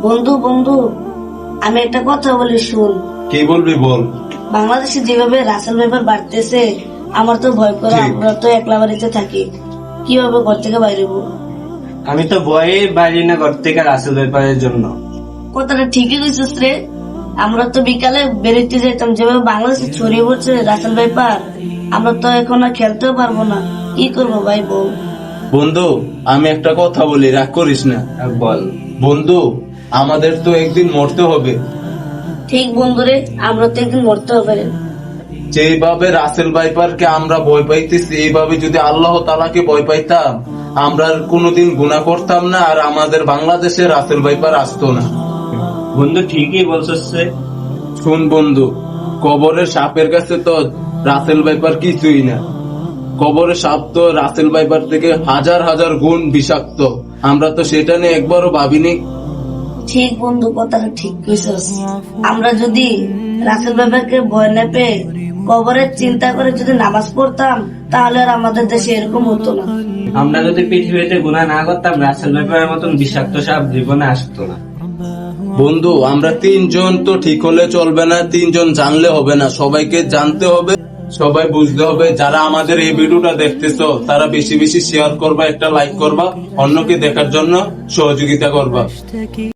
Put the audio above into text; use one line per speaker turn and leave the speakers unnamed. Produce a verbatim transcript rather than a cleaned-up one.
বন্ধু বন্ধু আমি একটা কথা বলি শুন।
কি বলবি বল।
বাংলাদেশে যেভাবে রাসেল ভাইপার বাড়তেছে আমার তো ভয় করে।
ঠিক।
আমরা তো একলা বাড়িতে থাকি, কিভাবে ঘর থেকে বাইরে হবো?
আমি তো ভয়ে বাইরে না ঘর থেকে রাসেল ব্যাপারের জন্য।
কথাটা ঠিকই কইছিস রে। আমরা তো বিকালে বেরোতে যেতাম, যেভাবে বাংলাদেশে ছড়িয়ে পড়ছে রাসেল ভাইপার, আমরা তো এখন আর খেলতেও পারবো না। কি করবো ভাই বল?
বন্ধু আমি একটা কথা বলি, রাগ করিস না।
আর বল।
বন্ধু আমাদের তো একদিন মরতে হবে।
ঠিক বন্ধুরে, আমরা তো একদিন মরতে হবে রে।
যেভাবে রাসেল ভাইপারকে আমরা ভয় পাইতেছি, এইভাবে যদি আল্লাহ তাআলাকে ভয় পাইতাম আমরা আর কোনোদিন গুনাহ করতাম না, আর আমাদের বাংলাদেশে রাসেল ভাইপার আসতো না।
বন্ধু ঠিকই বলছিস রে।
শুন বন্ধু, কবরের সাপের কাছে তো রাসেল ভাইপার কিছুই না। কবরের সাপ তো রাসেল ভাইপার থেকে হাজার হাজার গুণ বিষাক্ত। আমরা তো সেটা নিয়ে একবারও ভাবিনি।
ঠিক বন্ধু, কথাটা ঠিক কইছস। আমরা যদি রাসেল ভাইপারকে ভয় না পেয়ে কবরের চিন্তা করে যদি নামাজ পড়তাম তাহলে আর আমাদের দেশে এরকম হতো না।
আমরা যদি পৃথিবীতে গুনাহ না করতাম রাসেল ব্যাপারের মতন বিষাক্ত সাপ জীবনে আসতো না।
বন্ধু আমরা তিনজন তো ঠিক হলে চলবে না, তিনজন জানলে হবে না, সবাইকে জানতে হবে, সবাই বুঝতে হবে। যারা আমাদের এই ভিডিওটা দেখতেছো তারা বেশি বেশি শেয়ার করবা, একটা লাইক করবা, অন্যকে দেখার জন্য সহযোগিতা করবা।